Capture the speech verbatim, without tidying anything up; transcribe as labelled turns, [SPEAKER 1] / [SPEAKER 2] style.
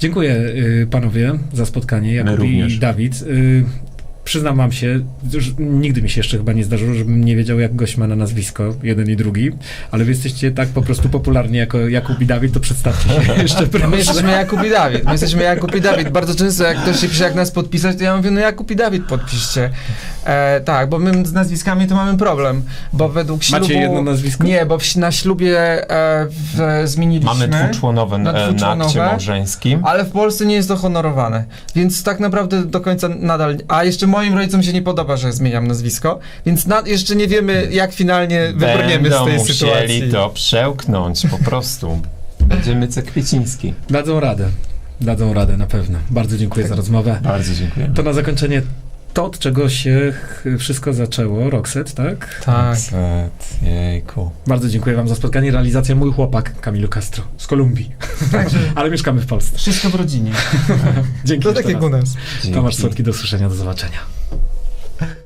[SPEAKER 1] Dziękuję y, panowie za spotkanie, Jakub i Dawid. Y, Przyznam wam się, że nigdy mi się jeszcze chyba nie zdarzyło, żebym nie wiedział, jak gość ma na nazwisko, jeden i drugi, ale wy jesteście tak po prostu popularni jako Jakub i Dawid, to przedstawcie się jeszcze, proszę.
[SPEAKER 2] My jesteśmy Jakub i Dawid, my jesteśmy Jakub i Dawid. Bardzo często jak ktoś się pisze, jak nas podpisać, to ja mówię, no Jakub i Dawid podpiszcie. E, tak, bo my z nazwiskami to mamy problem, bo według ślubu...
[SPEAKER 1] Macie jedno nazwisko?
[SPEAKER 2] Nie, bo w, na ślubie e, w, zmieniliśmy...
[SPEAKER 3] Mamy dwuczłonowe
[SPEAKER 2] na,
[SPEAKER 3] na, na akcie małżeńskim.
[SPEAKER 2] Ale w Polsce nie jest to honorowane, więc tak naprawdę do końca nadal... A jeszcze moim rodzicom się nie podoba, że zmieniam nazwisko, więc na, jeszcze nie wiemy, jak finalnie wybrniemy z tej sytuacji.
[SPEAKER 3] Będą musieli to przełknąć po prostu. Będziemy Kwieciński.
[SPEAKER 1] Dadzą radę. Dadzą radę na pewno. Bardzo dziękuję
[SPEAKER 2] Tak.
[SPEAKER 1] za rozmowę.
[SPEAKER 3] Bardzo dziękuję.
[SPEAKER 1] To na zakończenie to, od czego się wszystko zaczęło. Roxette, tak?
[SPEAKER 2] Tak.
[SPEAKER 3] Set, jejku.
[SPEAKER 1] Bardzo dziękuję wam za spotkanie. Realizacja mój chłopak, Camilo Castro, z Kolumbii.
[SPEAKER 2] Także
[SPEAKER 1] Ale mieszkamy w Polsce.
[SPEAKER 2] wszystko w rodzinie.
[SPEAKER 1] Dzięki
[SPEAKER 2] To
[SPEAKER 1] jeszcze
[SPEAKER 2] tak jak
[SPEAKER 1] raz.
[SPEAKER 2] u nas.
[SPEAKER 1] Tomasz Słodki, do usłyszenia, do zobaczenia.